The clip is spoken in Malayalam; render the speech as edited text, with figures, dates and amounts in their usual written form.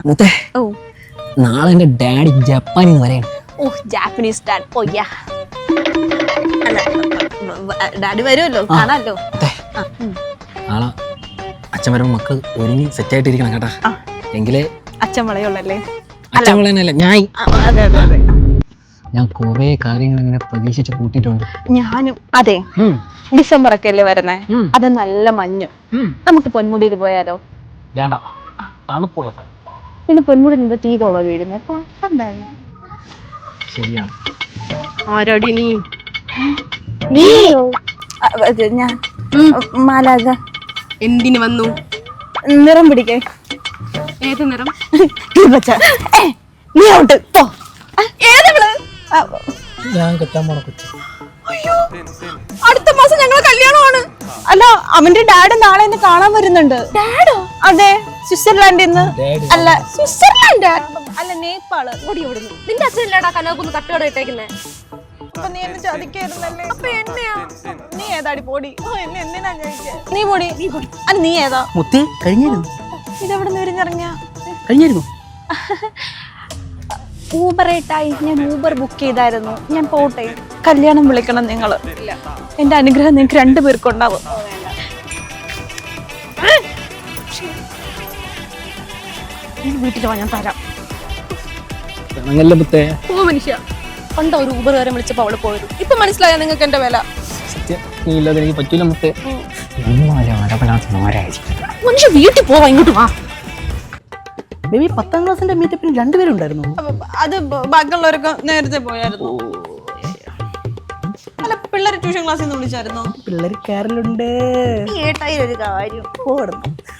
മുത്തേ ഓ നാളെ എന്റെ ഡാഡി ജപ്പാനിൽ നിന്ന് വരെയാണ്. ഓ ജാപ്പനീസ് ഡാഡ് പോയ്യാ. അല്ല ഡാഡി വരുമല്ലോ, കാണാമല്ലോ. നാളെ അച്ഛൻ വരുമ്പോ മക്കൾ ഒരുങ്ങി സെറ്റായിട്ടിരിക്കണം കേട്ടാ. എങ്കിലേ അച്ഛൻ വളയുള്ളല്ലേ? അച്ഛൻ വളയനല്ല ഞാൻ. അതെ അതെ അതെ. ഞാൻ കുറെ കാര്യങ്ങൾ ഇങ്ങനെ പ്രതീക്ഷിച്ച് കൂട്ടിയിട്ടുണ്ട്. ഞാനും അതെ. ഡിസംബർ ഒക്കെ അല്ലേ വരുന്നേ, അത് നല്ല മഞ്ഞ്. നമുക്ക് പൊന്മുടിയിൽ പോയാലോ? വേണ്ട, തണുപ്പുള്ള. പിന്നെ പൊന്മുടി എന്താ തീ കൊള്ള വീഴുന്നത്? ശരിയാണ്. ആരടി നീ? ഞാൻ മാലാക. എന്തിനു വന്നു? നിറം പിടിക്കേ. ഏത് നിറം? നീ ഔട്ട് പോ. ഞാൻ കെട്ടാൻ പോണ കൊച്ചു. അടുത്ത മാസം ഞങ്ങളെ കല്യാണമാണ്. അല്ല, അവന്റെ ഡാഡ് നാളെ എന്നെ കാണാൻ വരുന്നുണ്ട്. ഡാഡോ? അതെ, സ്വിറ്റ്സർലാൻഡിൽ നിന്ന്. അല്ല സ്വിറ്റ്സർലാൻഡ് അല്ല, നേപ്പാള്. ഓടി ഓടുന്നു. നിന്റെ അച്ഛനല്ലേടാ കനോക്കൊന്ന് തട്ടുകട ഇട്ടേക്കുന്നേ? അപ്പൊ നീ എന്നെ ചതിക്കായിരുന്നല്ലേ? അപ്പൊ എന്നെയാ? നീ ഏതാടി പോടി? എന്നെ എന്തിനാ ചോദിച്ചേ? നീ പോടി. അല്ല നീ ഏതാ? മുത്തേ കഴിഞ്ഞിരുന്നു. ഇതെവിടെ നിന്ന് വിരിഞ്ഞിറങ്ങിയ? കഴിഞ്ഞിരുന്നു. ഊബർ ഏട്ടായി, ഞാൻ ഊബർ ബുക്ക് ചെയ്തായിരുന്നു. ഞാൻ പോട്ടെ. കല്യാണം വിളിക്കണം നിങ്ങള്. എന്റെ അനുഗ്രഹം നിങ്ങൾക്ക് രണ്ടുപേർക്കുണ്ടാവും. വീട്ടിൽ വാ, ഞാൻ തരാം. മുത്തേ ഓ മനുഷ്യ, പണ്ട് ഒരു ഊബറുകാരെ വിളിച്ചപ്പോ അവള് പോയത്. ഇപ്പൊ മനസ്സിലായ നിങ്ങൾക്ക് എന്റെ വില? സത്യം, നീ ഇല്ലാതെ എനിക്ക് പറ്റൂല മുത്തേ. മനുഷ്യ വീട്ടിൽ പോവാ, ഇങ്ങോട്ട് വാ. ബേബി 10ാം ക്ലാസ്സിന്റെ മീറ്റപ്പിന് രണ്ടുപേരും ഉണ്ടായിരുന്നു. അത് ബാക്കിയുള്ളവരൊക്കെ നേരത്തെ പോയായിരുന്നു. അല്ല, പിള്ളേർ ട്യൂഷൻ ക്ലാസ്സിൽ നിന്ന് വിളിച്ചായിരുന്നോ? പിള്ളേർ കാരലുണ്ട്. ഏട്ടായി ഒരു കാര്യം പോടുന്നു.